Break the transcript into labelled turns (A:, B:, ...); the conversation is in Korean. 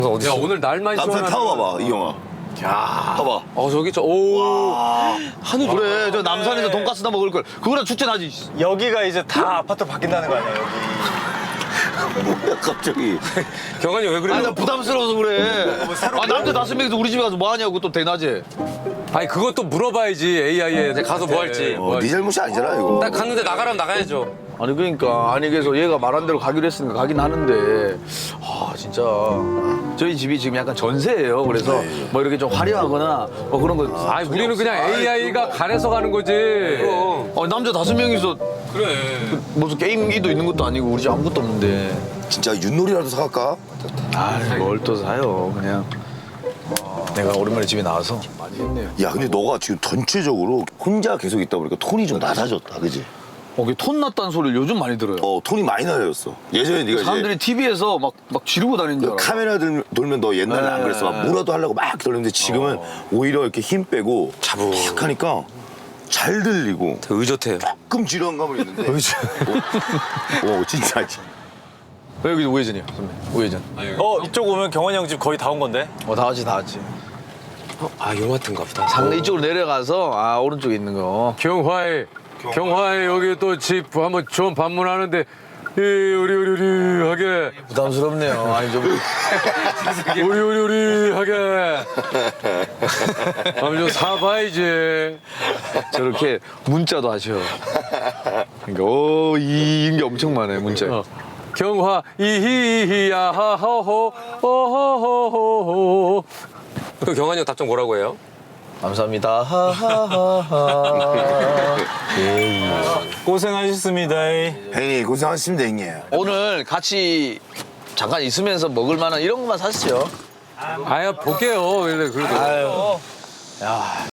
A: 야 오늘 날만
B: 남편
A: 시원하다.
B: 타고 봐봐, 이 영화.
A: 야.
B: 봐봐.
A: 저기 오. 하늘
C: 그래, 저 남산에서 돈가스나 먹을 걸. 그거랑 축제나지.
D: 여기가 이제 다 아파트로 바뀐다는 거 아니야, 여기.
B: 뭐야, 갑자기.
A: 경환이 왜 그래?
C: 아니, 나 부담스러워서 그래. 아, 남자 5명이서 우리 집에 가서 뭐 하냐고, 또 대낮에.
A: 아니 그것도 물어봐야지 AI에 가서 뭐 할지.
B: 네 잘못이 아니잖아, 이거.
A: 딱 갔는데 나가라면 나가야죠.
C: 아니, 그러니까. 아니, 그래서 얘가 말한 대로 가기로 했으니까 가긴 하는데. 아, 진짜. 저희 집이 지금 약간 전세예요. 그래서 뭐 이렇게 좀 화려하거나 뭐 그런 거.
A: 아니 우리는 그냥 AI가 가려서 가는 거지.
C: 남자 5명이서
A: 그래.
C: 무슨 게임기도 있는 것도 아니고 우리 집 아무것도 없는데.
B: 진짜 윷놀이라도 사갈까?
C: 아, 뭘 또 사요. 그냥. 내가 오랜만에 집에 나와서 많이 했네요.
B: 야, 근데 너가 지금 전체적으로 혼자 계속 있다 보니까 톤이 좀 낮아졌다, 그지?
C: 톤 났다는 소리를 요즘 많이 들어요.
B: 톤이 많이 낮아졌어. 예전에 네가
C: 사람들이 TV에서 막 지르고 다니는 줄 알아.
B: 카메라 돌면 너 옛날에 안 그랬어. 막 뭐라도 하려고 막 돌렸는데 지금은 오히려 이렇게 힘 빼고 탁 하니까 잘 들리고
A: 의젓해요.
B: 조금 지루한 감은 있는데. 진짜.
C: 여기 우회전이요, 선배. 우회전.
D: 이쪽 오면 경환이 형 집 거의 다 온 건데?
C: 다 왔지, 다 왔지.
A: 요마트인가 보다.
C: 상대 이쪽으로 내려가서 오른쪽에 있는 거.
A: 경화에 여기 또 집 한번 좀 방문하는데 우리 하게
C: 부담스럽네요. 아니 좀
A: 우리 하게 한번 좀 사봐야지.
C: 저렇게 문자도 하셔. 그러니까 이런 게 엄청 많아요, 문자.
A: 경화 이히히야 하호호 오호호호호. 그 경환이 형 답장 뭐라고 해요?
C: 감사합니다. 하하하하.
D: 고생하셨습니다.
B: 형님 고생하셨습니다, 형님.
C: 오늘 같이 잠깐 있으면서 먹을 만한 이런 것만 사시죠.
A: 볼게요. 그래도.
C: 야.